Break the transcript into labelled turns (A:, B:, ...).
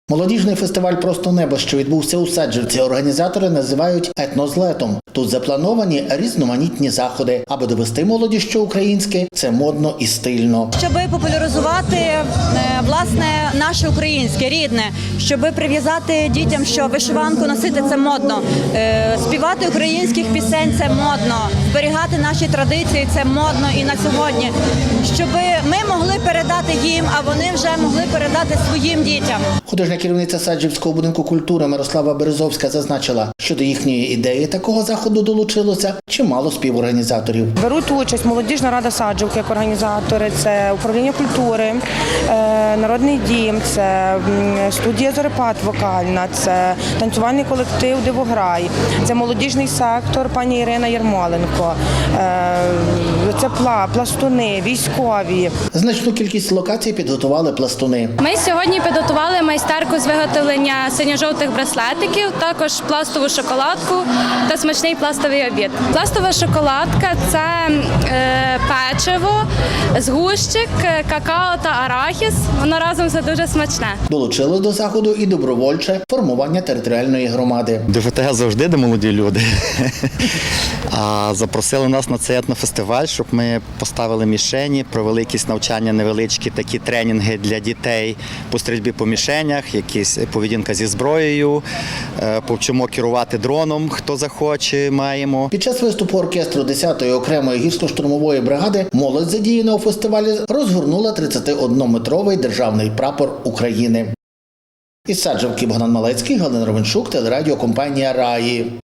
A: Молодіжний фестиваль «Просто небо», що відбувся у Саджівці, організатори називають етнозлетом. Тут заплановані різноманітні заходи, аби довести молоді, що українське – це модно і стильно.
B: Щоб популяризувати, власне, наше українське, рідне, щоб прив'язати дітям, що вишиванку носити – це модно, співати українських пісень – це модно, зберігати наші традиції – це модно і на сьогодні. Щоб ми могли передати їм, а вони вже могли передати своїм дітям.
A: Художня керівниця Саджівського будинку культури Мирослава Березовська зазначила, що до їхньої ідеї такого заходу долучилося чимало співорганізаторів.
C: Беруть участь молодіжна рада Саджівки як організатори, це управління культури, народний дім, це студія «Зорепад» вокальна, це танцювальний колектив «Дивограй», це молодіжний сектор пані Ірина Ярмоленко, це пластуни, військові.
A: Значну кількість локацій підготували пластуни.
D: Ми сьогодні підготували майстерку з виготовлення синьо-жовтих браслетиків, також пластову шоколадку та смачний пластовий обід. Пластова шоколадка – це печиво, згущик, какао та арахіс. Воно разом все дуже смачне.
A: Долучилось до заходу і добровольче формування територіальної громади.
E: ДФТГ завжди де молоді люди. А запросили нас на цей етнофестиваль, щоб ми поставили мішені, провели якісь навчання невеличкі, такі тренінги для дітей по стрільбі по мішенях, якісь поведінка зі зброєю, повчимо керувати дроном, хто захоче, маємо.
A: Під час виступу оркестру 10-ї окремої гірсько-штурмової бригади молодь, задіяна у фестивалі, розгорнула 31-метровий державний прапор України. Із Саджівки Богдан Малецький, Галина Ровенчук, телерадіокомпанія «Раї».